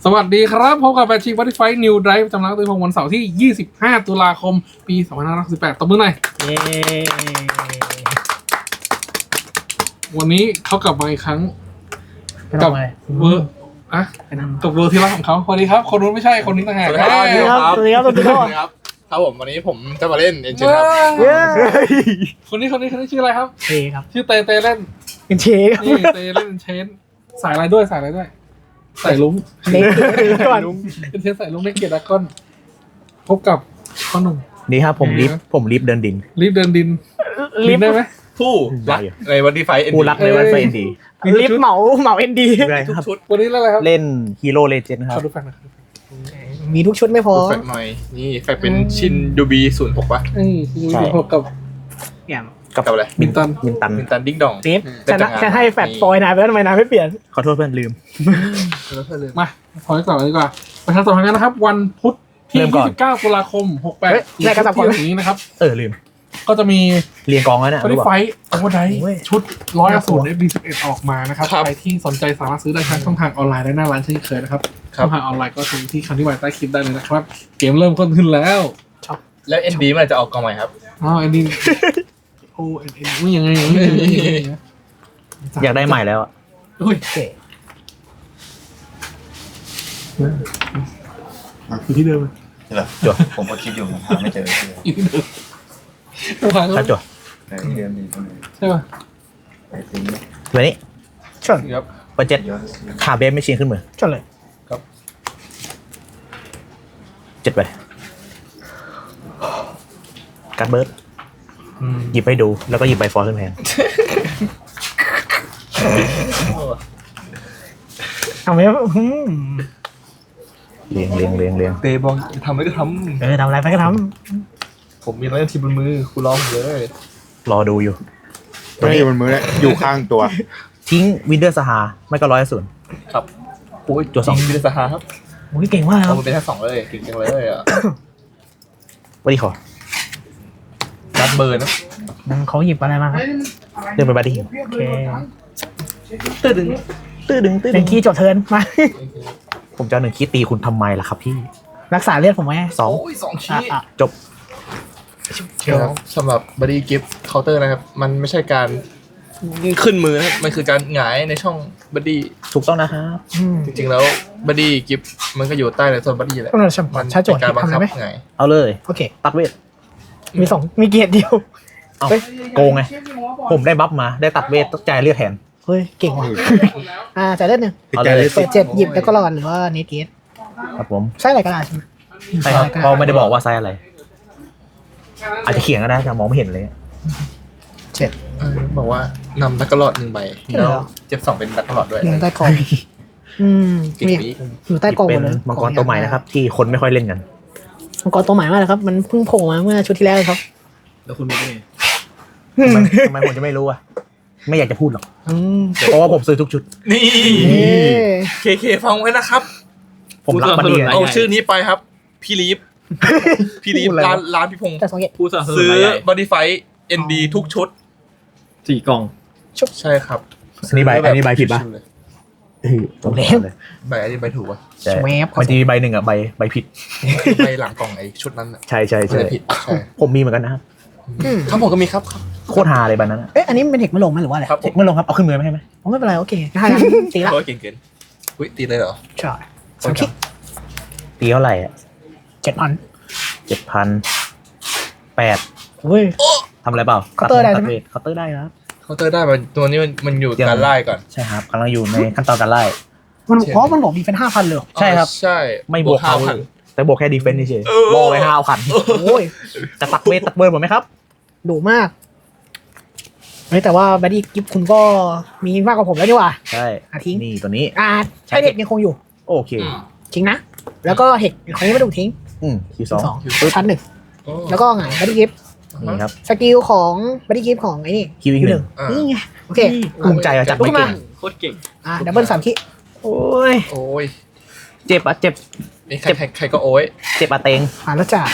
สวัสดีครับพบกับแบทชิงบัตตี้ไฟนิวไดรฟ์ประจำร้านตุ้ยพงศ์วันเสาร์ที่ 25 ตุลาคม ปี2568ตบมือหน่อยเย้วันนี้เขากลับมาอีกครั้งไม่ต้องอะไรเวอร์อะกับเวอร์ที่รักของเขาสวัสดีครับคนนู้นไม่ใช่คนนี้ต่างหากสวัสดีครับสวัสดีครับสวัสดีครับครับผมวันนี้ผมจะมาเล่นเอ็นจินครับเย้คนนี้ชื่ออะไรครับเชครับชื่อเตเล่นเป็นเชครับนี่เตเล่นเชนสายอะไรด้วยสายลุ้งเล็กก่อนเป็นเชนสายลุ้งในเกียรติดากอนพบกับพ่อหนุ่มนี่ครับผมลิฟต์เดินดินรีบเดินดินได้ไหมผู้รักในวันที่ไฟเอ็นผู้รักในวันไฟเอ็นดีลิฟต์เหมาเอ็นดีใช่ทุกครับชุดวันนี้เล่นอะไรครับเล่นฮีโร่เลเจนด์ครับขอดูแฟนหน่อยมีทุกชุดไม่พอแฟกหน่อยนี่แฟกเป็นชินยูบี06ป่ะนี่คือพบกับอย่างกับอะไรมินตันมินตันมินตันดิ้งดองเซฟจะให้แฟดฟอยนายไปแล้วทำไมนายไม่เปลี่ยนขอโทษเพื่อนลืมมาพอต่อเลยดีกว่าประชาสัมพันธ์กันนะครับ วันพุธที่เริ่มก่อน 29 ตุลาคม 68 ได้กระสับก่อนที่นี้นะครับลืมก็จะมีเรียงกองแล้วเนี่ยบริรู้ป่ะไฟโอเวอร์ไดโอ้ยชุด100 FD11 ออกมานะครับ ใครที่สนใจสามารถซื้อได้ทางช่องทางออนไลน์และหน้าร้านเช่นเคยนะครับช่องทางออนไลน์ก็ถึงที่คำที่ไว้ใต้คลิปได้เลยนะครับ เกมเริ่มต้นขึ้นแล้วแล้วเอ็นดีมันจะออกกองใหม่ครับอ๋ออันนี้โอ้เอ็นไม่ยังไงอยากได้ใหม่แล้วอะอุ้ยโอเคอยู่ที่เดิมเลยเหรอจดผมก็คิดอยู่ผมหาไม่เจออยู่ที่เดิมต้องผ่านถ้าจดในเดือนนี้ตรงนี้ใช่ป่ะไปทิ้งตัวนี้ชนครับเปิดเจ็ดเยอะขาเบฟไม่ชินขึ้นมือชนเลย 7ไปการ์ดเบิร์ดหยิบไปดูแล้วก็หยิบใบฟอร์ขึ้นแพงทำไมเรียงเตะบอลทำอะไรก็ททำอะไรไปก็ทำผมมีอะไรทีบนมือคุณร้องผมเลยรอดูอยู่ตัวนี้มันมือแล้วอยู่ข้างตัวทิ้งวินเดอร์สหาไม่ก็100 ครับโอ้ยตัวสองวิลสหาครับำโอ้ยเก่งมากคเอารับมันเป็นแค่2เลยเก่งจังเลยอ่ะวันนี้ขอรัดเบิร์นนะเขาหยิบอะไรมาครับเรื่องเป็นบัตตี้โอเคตื้อดึงเป็นคีย์จบเทิร์นมาผมจะเอา1 คิดตีคุณทำไมล่ะครับพี่รักษาเลือดผมไว้ 2 โอ้ย2ชี้จบครับสำหรับบัดดี้กิฟต์เคาน์เตอร์นะครับ มันไม่ใช่การขึ้นมือนะครับมันคือการหงายในช่องบัดดี้ถูกต้องนะครับจริงๆแล้วบัดดี้กิฟต์มันก็อยู่ใต้ในโซนบัดดี้แหละต้องเรามันใช้โจทย์เป็นการบังทำคัได้บไหมไงเอาเลยโอเคตัดเวทมีเกียรติเดียวเอาโกงไง ผมได้บัฟมาได้ตัดเวทต้องจ่ายเลือดแทนเฮ้ยเก่งว่ะจ่ายเลือดหนึ่งเอาเลยเปิด7หยิบแล้วก็รอนหรือว่าเนทเกตครับผมใช่อะไรก็ได้ใช่ไหมใช่ครับเพราะไม่ได้บอกว่าไซส์อะไร อาจจะเขียนก็ได้แต่มองไม่เห็นเลยบอกว่านำดักกระหลอด1 ใบแล้วเจ็บ2เป็นดักกระหลอดด้วยอยู่ใต้กองมีอยู่ใต้กองหเป็มนดเลยมังกรตัวใหม่นะครับ ที่คนไม่ค่อยเล่นกันมังกรตัวใหม่มากเลยครับ มันเพิ่งโผล่มาเมื่อชุดที่แล้วครับแล้วคุณรู้ได้ไงทำไมผมจะไม่รู้อ่ะ ไม่อยากจะพูดหรอกอืมเพราะว่าผมซื้อทุกชุดนี่เอ๊ะเคฟังไว้นะครับผมรักมันดีนะเอาชื่อนี้ไปครับ พี่ลีฟพี่ลีฟร้านพี่พงศ์แต่สองเกตผู้สนับสนุนซื้อรายใหญ่บอดี้ไฟเอ็นดีทุกชุด 4 กล่องใช่ครับอันนี้ใบผิดป่ะผมเล่นเลยใบอันนี้ใบถูกป่ะใช่มันจะมีใบหนึ่งอ่ะใบผิดใบหลังกล่องไอ้ชุดนั้นน่ะใช่มันจะผิดใช่ผมมีเหมือนกันนะครับครับผมก็มีครับโคตรฮาเลยใบนั้นอะเอ๊ะอันนี้เป็นเทคไม่ลงไหมหรือว่าอะไรครับผเช็คมไม่ลงครับ เอาขึ้นมือไม่ให้ไหมอ๋อไม่เป็นไรโอเคได้นะตีละโอ้ยเก่งเกินอุ้ยตีเลยเหรอใช่สองคิดตีเท่าไหร่อ่ะ 7,000 7,000 เฮ้ยทำอะไรเปล่าเคาน์เตอร์ได้ใช่ไหมเคาน์เตอร์ได้ครับเคาน์เตอร์ได้มันตัวนี้มันอยู่การไล่ก่อนใช่ครับกำลังอยู่ในขั้นตอนการไล่มันเพราะมันบอกมีเป็น 5,000เลยเหรอใช่ครับใช่ไม่บวกเขา 5,000 แต่บวกแค่ดีเฟนซ์เฉยเออๆรอไว้ห้าเอาขันโอ้ยจะตักเวทตักเบิร์นหมดไหมครับดุมากเฮ้ยแต่ว่าบัดดี้กิฟคุณก็มีมากกว่าผมแล้วดีกว่าใช่ทิ้งนี่ตัวนี้ใช้เด็กยังคงอยู่โอเคทิ้งนะ แล้วก็เห็ดของนี้ไม่ต้องทิ้งคิวสองชั้นหนึ่งโอ้แล้วก็หงายบัดดี้กิฟนี่ครับสกิลของบัดดี้กิฟของไอ้นี่คิวอีกหนึ่งนี่ไงโอเคภูมิใจอะจัดไม่เก่งโคตรเก่งดับเบิล3 คิโอ้ยโอ้ยเจ็บอะเจ็บนี่ใครก็โอ้ยเจ็บอะเตงผ่านแล้วจ้ะ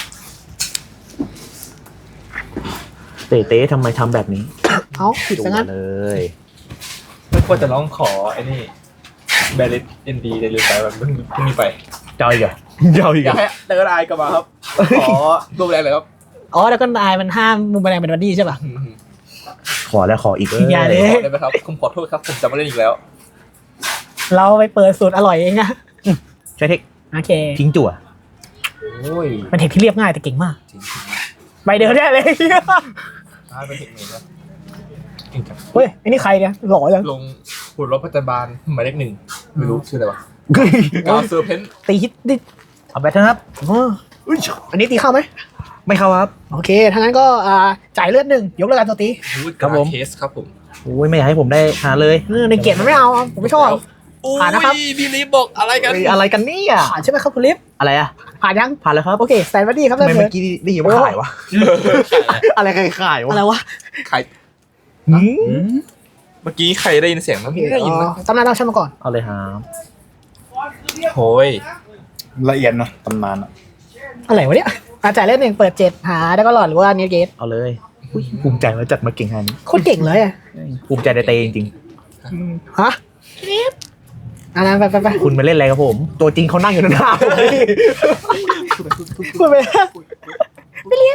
เต้ทำไมทำแบบนี้เอาผิดดูซะงั้นเลยไม่ควรจะร้องขอไอ้นี่แบริสเอ็นดีเดลิสไปมันเพิ่งมีไปเจ้าอีกเหรอเจ้าอีกอเหรยากอให้เดินไอกลับมาครับขอรูปแรงเลยครับอ๋อแล้วก็นายมันห้ามมุมแมลงเป็นบัดดี้ใช่ป่ะขอแล้วขออีกอย่าเลยขอได้ไหมครับผมขอโทษครับผมจะไม่เล่นอีกแล้วเราไปเปิดสูตรอร่อยเองนะใช้เทคโอเคทิ้งจั่วโอ้ยมันเทคที่เรียบง่ายแต่เก่งมากจริงใบเดียวได้เลยเป็นเทคนิคครับเก่งจังเฮ้ยไอ้นี่ใครเนี่ยหล่อจังลงหุ่นรถประจำบานหมายเลขหนึ่งไม่รู้ชื่ออะไรวะเฮ้ยกาวเซอร์เพนตีฮิตดิเอาแบตเถอะครับอ๋ออันนี้ตีเข้าไหมไม่เข้าครับโอเคถ้างั้นก็จ่ายเลือดหนึ่งยกเลิกการโจมตีครับผมเคสครับผมโอ้ยไม่อยากให้ผมได้หาเลยในเกตมันไม่เอาผมไม่ชอบ ผ่านนะครับพี่ลิฟบอกอะไรกันเฮ้ยอะไรกันเนี่ยผ่านใช่ไหมครับคุณลิฟอะไรอะผ่านยังผ่านแล้วครับโอเคแซนบัดดี้ครับทำเริ่ไมมเลเมื่ยอกี้ได้ยินว่าขายวะอะไรขายวะอะไรวะใครหืมเมื่อกี้ใครได้ยินเสียงนะไม่ได้ยินนะตำนานเราชั่นมาก่อนเอาเลยครับโอ้ยละเอียดนะตำนานอะอะไรวะเนี่ยจ่ายเลือดหนึ่งเปิด7หาแล้วก็หลอดหรือว่าเนียเกตเอาเลยอุ๊ยภูมิใจว่าจัดมาเก่งขนาดนี้โคตรเก่งเลยอะภูมิใจในเตจริงฮะไปๆคุณมาเล่นอะไรกับผม ตัวจริงเขานั่งอยู่หน้าผมนี่พูดไปไม่เรียก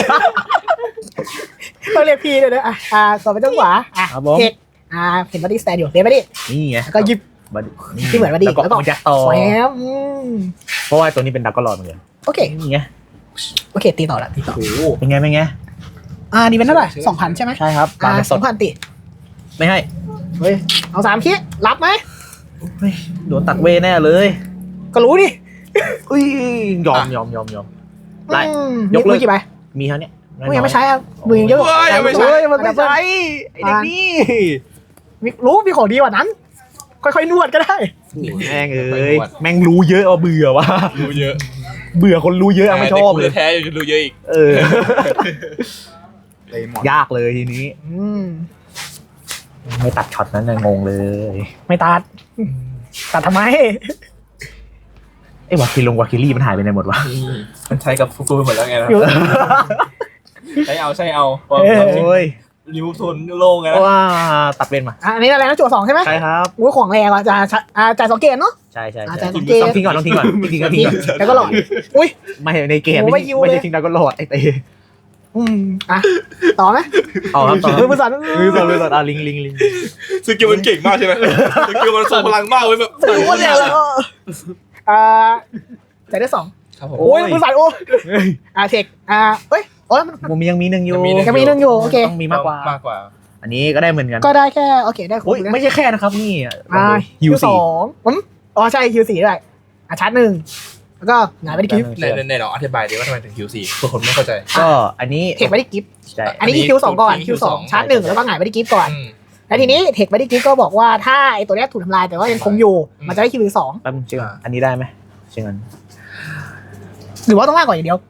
ต้องเรียกพี่เลยนะต่อไปต้องขวาเทคเห็นบัดดี้สแตนอยู่เรียนบัดดี้นี่ไงแล้วก็หยิบบัดที่เหมือนบัดดี้แล้วก็มันจะต่อแหวมเพราะว่าตัวนี้เป็นดักก็รอดเหมือนกันโอเคนี่ไงโอเคตีต่อละตีต่อโอ้โหเป็นไงเป็นไงนี่เป็นเท่าไหร่2,000ใช่ไหมใช่ครับปลาเป็นสด 2,000ตีไม่ให้เฮ้ยเอา3 คิดรับไหมเฮ้ยโดนตัดเวแน่เลยก็รู้ดิอุ้ยยอมไล่ ยกเลิกมือกี่ใบมีเท่านี้มือยังไม่ใช้อ่ะมือยังเยอะเฮ้ยมันไม่ใช่ไอ้เด็กนี่รู้มีของดีกว่านั้น ค่อยๆนวดก็ได้แม่งเอ้ยแม่งรู้เยอะเอาเบื่อวะรู้เยอะเบื่อคนรู้เยอะไม่ชอบเลยแท้ยังรู้เยอะอีกเออเลยหมดยากเลยทีนี้ ไม่ตัดช็อตนั้นนะงงเลยไม่ตัดทำไมไอ้วาคิลี่มันหายไปไหนหมดวะมันใช้กับฟุกุไปหมดแล้วไงนะอยู่ใช้เอาโอ้ยริมทุนโล่งไงนะว่าตัดเป็นมาอันนี้อะไรนะจั่ว2ใช่ไหมใช่ครับอุ้ยของแรงอ่ะจ่าย2เกตเนาะใช่อาจใช่จะสังเกตต้องทิ้งก่อนทิ้งก่อนทิ้งก่อนแล้วก็หลอดอุ้ยไม่ในเกมโอ้ไม่ไม่ยิวเลยใช่ทิ้งดักก็รอดไอ้เต้ต่อไหมต่อครับต่อมือสั่นมือสั่นลิงสกิลมันเก่งมากใช่ไหมสกิลมันทรงพลังมากเว้ยแบบรู้ว่าเนี่ยแล้วจ่ายได้2 ครับผมโอ้ยมือสั่นโอ้เทคเฮ้ยโอ้ยมันผมยังมีหนึ่งอยู่ยังมี1อยู่โอเคต้องมีมากกว่ามากกว่าอันนี้ก็ได้เหมือนกันก็ได้แค่โอเคได้ครบโอ้ยไม่ใช่แค่นะครับนี่ฮิว2ใช่ฮิว4ด้วยชาร์จ1แล้วก็หงายไปที่กิฟต์ในเราอธิบายดีว่าทำไมถึง Q4 เพื่อคนไม่เข้าใจก็อันนี้เทคไปที่กิฟต์ใช่อันนี้คิว2ก่อนคิว Q2 2ชาร์จ1แล้วก็หงายไปที่กิฟต์ก่อนอืมแล้วทีนี้เทคไปที่กิฟต์ก็บอกว่าถ้าไอตัวเนี้ยถูกทำลายแต่ว่ายังคงอยู่มันจะได้คิว2 แป๊บนึงเชื่ออันนี้ได้ไหมเชื่อกันหรือว่าต้องมากกว่าอย่างเดียว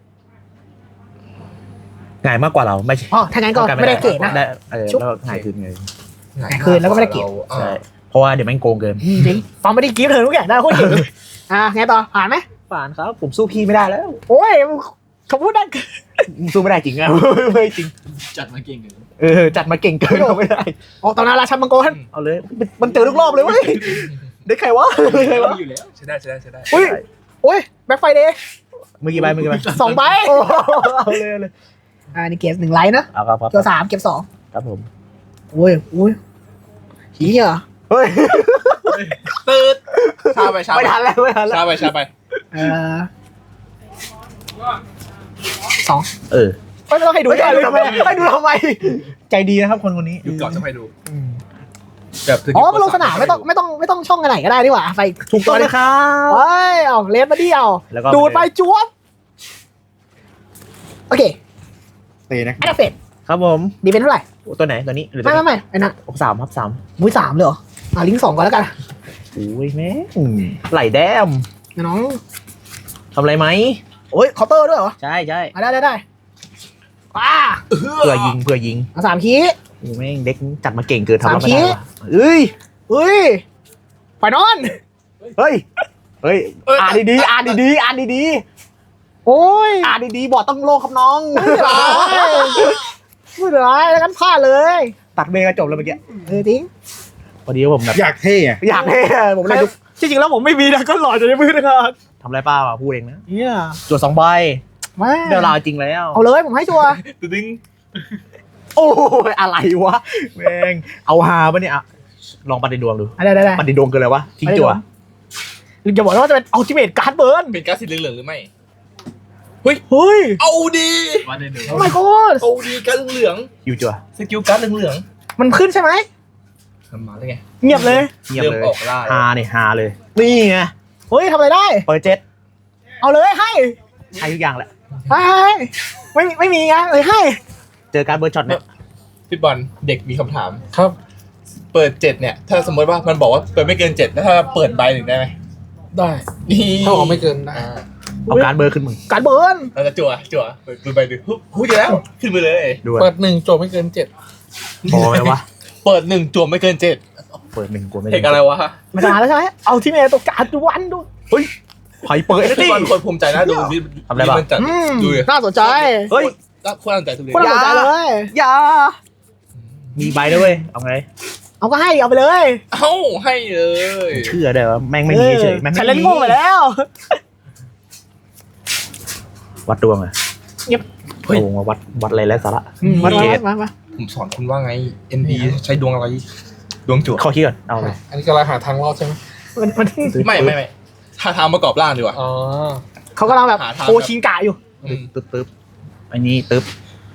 ง่ายมากกว่าเราไม่ใช่อ๋อถ้างั้นก็ไม่ได้เกรดนะได้แล้วก็ง่ายขึ้นไงคืนแล้วก็ไม่ได้เก็บใช่เพราะว่าเดี๋ยวแม่งโกงเกินจริงฟังไม่ได้กิฟต์เธอทุกอย่างได้โคตรเก่งไงต่อผ่านไหมฝานครับผมสู้พี่ไม่ได้แล้วโอ้ยเขาพูดได้สู้ไม่ได้จริงอะไม่จริงจัดมาเก่งเลยจัดมาเก่งเกินเราไม่ได้ออกตอนนั้นราชันมังกรเอาเลยมันเจอทุกรอบเลยเว้ยได้ใครวะได้ใครวะอยู่แล้วใช่ได้อุ้ยโอ้ยแบ็คไฟเดย์เมื่อกี้ใบ 2 ใบเอาเลยนี่เก็บ1 ไลท์นะเอาครับตัว3เก็บ2 ครับผมโอ้ยเฮียเฮ้ยตืดชาไปไม่ทันแล้วไม่ทันแล้วชาไป 2 ไม่ต้องให้ดูให้ได้ดูเลยทำไมให้ดูทำไมใจดีนะครับคนนี้อยู่ก่อนจะไปดูแบบมาลงสนามไม่ต้องช่องกันไหนก็ได้ดีกว่าไปถูกต้องเลยครับเฮ้ยเอาเลนมาดิเอาแล้วก็ดูดไปจวบโอเคตีนะแอดเฟดครับผมดีเป็นเท่าไหร่ตัวไหนตัวนี้หรือไม่ไอ้นั่น 3ครับ3 มุ้ย3เลยเหรอลิงก์2ก่อนแล้วกันโอ้ยแม่ไหลแดมน้องทำอะไรไหมโอ้ยเคาน์เตอร์ด้วยเหรอใช่ได้ว้าเพื่อยิงเอา3 คีย์โอ้แม่งเด็กจัดมาเก่งเกินทำไม่ 3 คีได้ย์ว่ะเอ้ยไปนอนเฮ้ยอ่านดีอ่านดีโอ้ยอ่านดีบอดต้องโลครับน้องไม่เป็นไรแล้วกันพลาดเลยตัดเบรกจบแล้วเมื่อกี้จริงพอดีผมแบบอยากเท่อะอยากเท่ผมเลยจริงๆแล้วผมไม่มีนะก็หล่อจะได้มือนะครับทำอะไรป้าพูดเองนะเนี่ยจวด2 ใบมาเดี๋ยวลาจริงแล้วเอาเลยผมให้ชัวร์ดึงโอ้ยอะไรวะแม่งเอาฮาปะเนี่ยอะลองปฏิดวงดูได้ได้ได้ปฏิดวงคืออะไรวะทิ้งจั่วหรือจะบอกว่าจะเป็นอัลติเมทการ์ดเบิร์นเป็นการ์ดสีเหลืองๆหรือไม่เฮ้ยเอาดีโอ้ my god เอาดีการ์ดเหลืองฮิวจั่วสกิลการ์ดเหลืองมันขึ้นใช่ไหมๆมันมาได้ไงเงียบเลยเงียบเลยเริ่มออกล่าแล้วฮาเนี่ยฮาเลยนี่ไงเฮ้ยทำอะไรได้เปิดเจ็ตเอาเลยให้ให้ทุกอย่างแหละไม่มีไงเลยให้เจอการเบิร์ดช็อตเนี่ยพี่บอลเด็กมีคำถามครับเปิด7เนี่ย ถ้าสมมติว่ามันบอกว่าเปิดไม่เกิน7แล้วถ้าเปิดใบหนึ่งได้ไหมได้นี่ถ้าบอกไม่เกินได้เอาการเบิร์ดขึ้นมึงการ์ดเบิร์นเราจะจั่วเปิดใบหนึ่งหุ้ยเดี๋ยวแล้วขึ้นไปเลยด้วยเปิด1โจทย์ไม่เกิน7 พอไหมวะเปิด1จั่วไม่เกิน7 เปิด1กลัวไม่เทคอะไรวะมาแล้วใช่ไหมเอาที่เมย์ตัวการ์ดวันดูไผ่เปิดพี่ดิบอลคนภูมิใจนะดูนี่ทำอะไรบ้างมันจัดอืมดูดิน่าสนใจเฮ้ยคนน่าสนใจทุเรียนคนน่าสนใจเลยอย่ามีใบด้วยเวยเอาไงเอาก็ให้เอาไปเลยเอ้าให้เลยเชื่อได้ว่าแม่งไม่มีเฉยแม่งฉันไม่เล่นมีโง่ไปแล้ววัดดวงอะเงียบโอ้มาวัดอะไรแล้วสาระมาผมสอนคุณว่าไง NB ใช้ดวงอะไร ดวงจั่วข้อคิดก่อนเอาเลยอันนี้ก็เราหาทางรอดใช่ไหมมันไม่ถ้าทางประกอบร่างดีกว่าอ๋อเขากำลังแบบหาทางโคชิงกะอยู่อืมตึ๊บอันนี้ตึ๊บ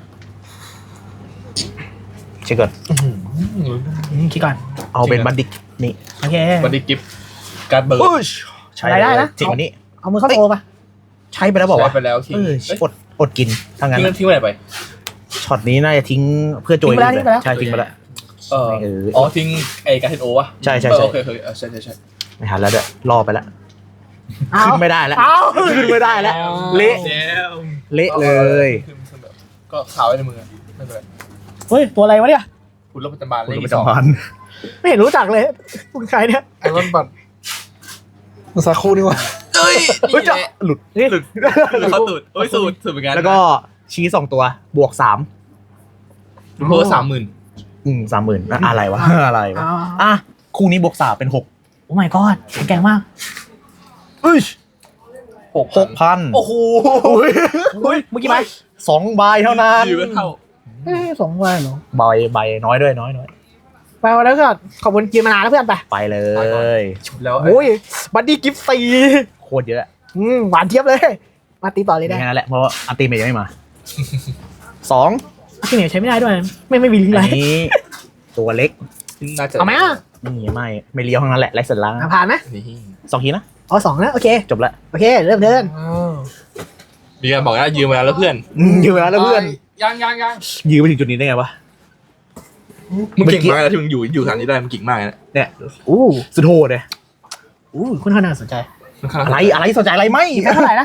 เช็คก่อนคิดก่อนเอาเป็นบันดิกนี่โอเคบัดดี้กิฟต์การ์ดเบิร์ดใช้ได้นะจริงวันนี้เอามือเข้าโตป่ะใช้ไปแล้วบอกใช้ว่าไปแล้วทิ้งอดกินถ้างั้นทิ้งไว้ไหนไปช็อตนี้น่าจะทิ้งเพื่อโจยใช่ทิ้งไปแล้วอ๋อทิ้งไอ้การ์เทนโอวะใช่โอเคใช่ไม่ทันแล้วเด้อล่อไปแล้วเอาขึ้นไม่ได้แล้วเอาขึ้นไม่ได้แล้วเละเละเลยก็ขาวไว้ในมือไม่เป็นไรเฮ้ยตัวอะไรวะเนี่ยคุณรบประจำบานคุณเลขประที่สองจำวันไม่เห็นรู้จักเลยคุณใครเนี่ยไอรอนบัตมุสาคูนี่วะเอ้ยเฮ้ยจะหลุดหลุดเขาตูดโอ้ยสูตรเหมือนกันแล้วก็ชี้2ตัวบวก3 เพิ่ม30,000 30,000อะไรวะอะไรวะอ่ะคู่นี้บวก3เป็น6 โอ้ my god แข็งแกร่งมาก 6,000 โอ้โหเฮ้ยเมื่อกี้ไหม 2 ใบเท่านั้นดีเป็นเท่า 2 วันเหรอใบน้อยด้วยน้อยไปวันแล้วก็ขอบคุณกินมานานแล้วเพื่อนไปไปเลยแล้วโอ้ยบัดดี้กิฟต์ตีโคตรเยอะหวานเทียบเลย มาตีต่อเลยได้แค่นั้นแหละเพราะอัลติเมทยังไม่มา2 ที่เหนียวใช้ไม่ได้ด้วย ไม่มีลิงก์ไรอันนี้ตัวเล็กน่าจะเอาไหมอ่ะนี่ไม่เลี้ยวทั้งนั้นแหละไร้สาระผ่านไหมนี่ 2 ทีนะเอา2นะโอเคจบละโอเคเริ่มเดินอ้าวมีการบอกนะยืมมาแล้วเพื่อนยืมไปแล้วเพื่อนยังยืมไปถึงจุดนี้ได้ไงวะมึงเก่งมากนะที่มึงอยู่ฐานนี้ได้มึงเก่งมากนะเนี่ยอู้สุดโหดเลยคุณน่าสนใจอะไรสนใจอะไรไหมแค่เท่าไหร่นะ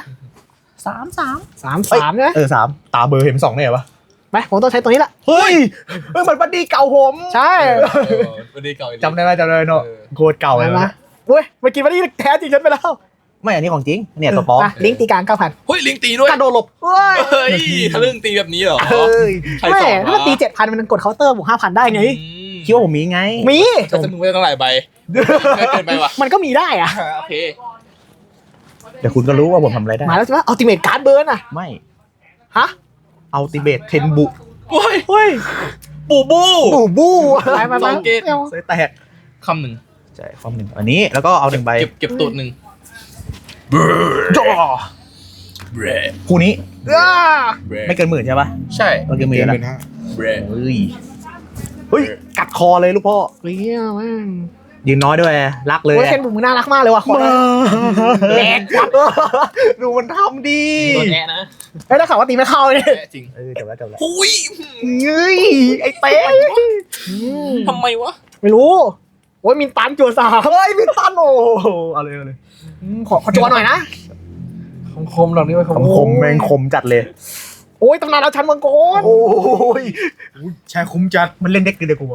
3 3 ใช่ไหม 3ตาเบอร์เห็น2ได้ไงวะไปผมต้องใช้ตัวนี้แหละเฮ้ยเหมือนบัดดี้เก่าผมใช่วันนี้เก่าจำได้ไหมเนาะโคตรเก่าเลยมาเว้ยเมื่อกี้บัดดี้แท้จริงฉันไปแล้วไม่อันนี้ของจริงเนี่ยตัวปลอมลิงก์ตีกลาง 9,000 เฮ้ยลิงตีด้วยกระโดดหลบเฮ้ยเฮ้ยทะลึ่งตีแบบนี้เหรอเฮ้ยใครไม่สอนถ้ามันตี 7,000 มันกดเคาน์เตอร์บวก 5,000 ได้ไงคิดว่าผมมีไงมีจะมึงไม่ได้ตั้งหลายใบไม่เกินไปว่ะมันก็มีได้อะโอเคเดี๋ยวคุณก็รู้ว่าผมทำอะไรได้มาแล้วใช่ไหมอัลติเมทการ์ดเบิร์นอะไม่ฮะอัลติเมทเทนบุโอ้ยเฮ้ยปูบูบูมาสองเกตเซยแตกคำหนึ่งใช่ความหนึ่งอันนี้แล้วก็เอา1 ใบเก็บตูดหนึ่งจ่อคู่นี้อ้าไม่เกิน10,000ใช่ปะใช่ไม่เกิน10,000 เกินแล้วเป็นนะ 5 เฮ้ยกัดคอเลยลูกพ่อเฮ้ยแม่งยืนน้อยด้วยรักเลยโอ้ยเคนบุ๋มมึงน่ารักมากเลยว่ะขอเลย แรงดูมันทำดีโดนแอะนะเฮ้ยถ้าข่าวว่าตีไม่เข้าเลยแอะจริงจบแล้วหุยเฮ้ยไอ้เต้ทำไมวะไม่รู้โอ้ยมินตันจัวสามเฮ้ยพี่ตันโอ้เอาเลยขอจัวหน่อยนะคมๆดอกนี้ไว้คมคมแม่งคมจัดเลยโอ้ยตำนานเอาชันมังกรโอ้ยใช่คุ้มจัดมันเล่นเด็กเดียวกู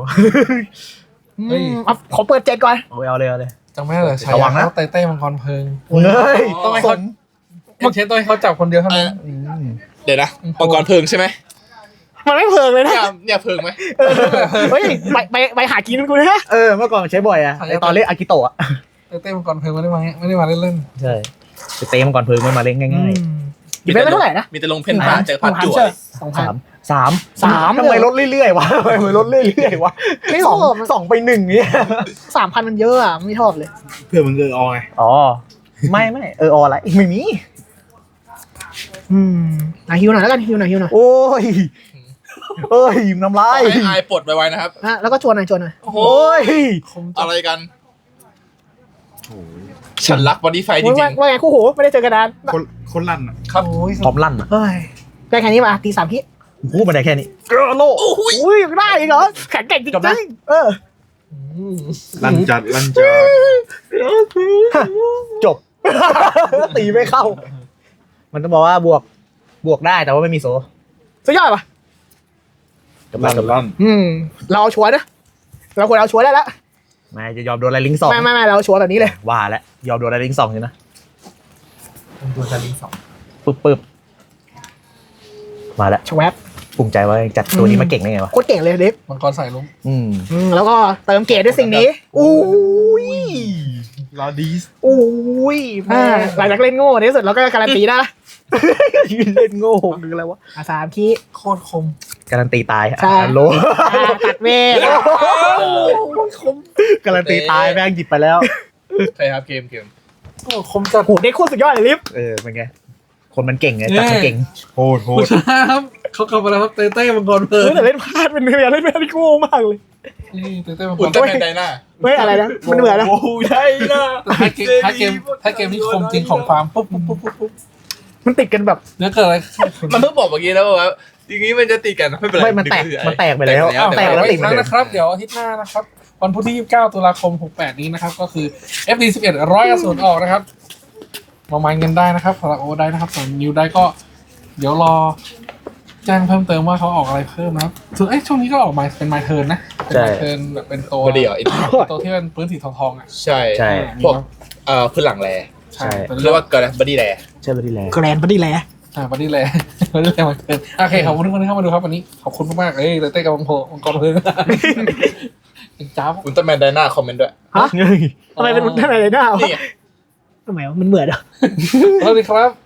ขอเปิด7ก่อนเอาเลยจำไม่ได้เหรอใช่ระวังนะเต้มังกรเพลิงเฮ้ยต้องให้เขาเชฟต้องให้เขาจับคนเดียวเท่านั้นเดี๋ยวนะมังกรเพิงใช่ไหมมันไม่เพิงเลยนะเนี่ยเพิงไหมเฮ้ยไปหากินกูนะเมื่อก่อนใช้บ่อยอะไอตอนเล่นอากิโตะเต้มังกรเพลิงไม่ได้มาเล่นใช่ไปเตะมันก่อนเพิงมันมาเล่นง่ายอีกไม่เท่าไหร่นะมีแต่ลงเพนพาเจอพัดจั่ว 2,000 3ทำไมลดเรื่อยๆวะทำไมลดเรื่อยๆวะไม่สชองอบสองไป1เนี่ย 3,000 มันเยอะอ่ะไม่ชอบเลยเพื่อมึงอไงอ๋อไม่อะไรไม่มีฮิวหน่อยแล้วกันฮิวหน่อยโอ้ยน้ำลาขยอให้อายปลดไวๆนะครับแล้วก็ชวนหน่อยโอ้โหโอ้ยอะไรกันฉันรักบอดี้ไฟจริงว่าไงคู่หูไม่ได้เจอกันนานคนลั่นอ่ะๆครับพร้อมลั่นอ่ะเฮ้ยได้แค่นี้มาตี3 พิพูดมาได้แค่นี้เกโลอุ้ยยังได้อีกเหรอแข็งแกร่งจริงจบนะลั่นจัดจบ ตีไม่เข้า มันต้องบอกว่าบวกได้แต่ว่าไม่มีโซสุดยอดป่ะลั่นเราเอาชัวร์นะเราควรเอาชัวร์ได้แล้วไม่จะยอมโดนอะไรลิงก์2 ไม่เราชัวร์แบบนี้เลยว่าแล้วยอมโดนอะไรลิงก์2อยู่นะตัวจะลิงสองปึ๊บมาแล้วชวบภูมิใจว่าจัดตัวนี้มาเก่งได้ไงวะโคตรเก่งเลยเด็กมังกรใส่ลุงแล้วก็เติมเกรดด้วยสิ่งนี้อุ้ยลาดีสอุ้ยหลังจากเล่นโง่ในที่สุดเราก็การันตีได้ละยืนเล่นโง่หรืออะไรวะ 3 คีโคตรคมการันตีตายใช่โลตัดเวทการันตีตายแม่งหยิบไปแล้วใช่ครับเกมโอ้คมจัดโหเด็กโคตรสุดยอดเลยลิฟเป็นไงคนมันเก่งไงจัดมันเก่งโหดผู้ชนะครับเขากลับมาแล้วครับเต้มังกรเพลิงแต่เล่นพลาดเป็นเล่นไม่ได้โง่มากเลยนี่เต้มังกอุลรตร้าแมนไดนาไม่อะไรนะมันเหมือนนะโอ้ยได้นะถ้าเกมที่คมจริงของฟาร์มปุ๊บมันติดกันแบบเนื้อเกิดอะไรมันเพิ่งบอกเมื่อกี้แล้วว่าอย่างนี้มันจะตีกันไม่เป็นไรไม่มันแตกไปแล้วแตกแล้วอีกครั้งนะครับเดี๋ยวอาทิตย์หน้านะครับวันพุธที่ 29 ตุลาคม 68 นี้นะครับก็คือ FD11 100 อสูรออกนะครับมามันกันได้นะครับสำหรับโอได้นะครับส่วนนิวได้ก็เดี๋ยวรอแจ้งเพิ่มเติมว่าเขาออกอะไรเพิ่มนะครับส่วนช่วงนี้ก็ออกมาเป็นไมเทิร์นนะเป็นไมเทิร์นแบบเป็นตัวบอดี้เหรอตัวที่เป็นพื้นสีทองๆอ่ะใช่ใช่พวกพื้นหลังแร่ใช่เรียกว่าเกิดอะไรบอดี้แร่ใช่ไปที่แล้วแกรนบัดดี้แลบอดี้แลบอดี้แลมาเทิร์นโอเคขอบคุณทุกคนที่เข้ามาดูครับวันนี้ขอบคุณมากๆเต้กับมังกรเพลิงเป็นจ้าบอุลตร้าแมนไดนาคอมเมนต์ด้วยทำไมเป็นท่านอะไรหน้านี่ไงทำไมมันเหมือนอ่ะสวัสดีครับ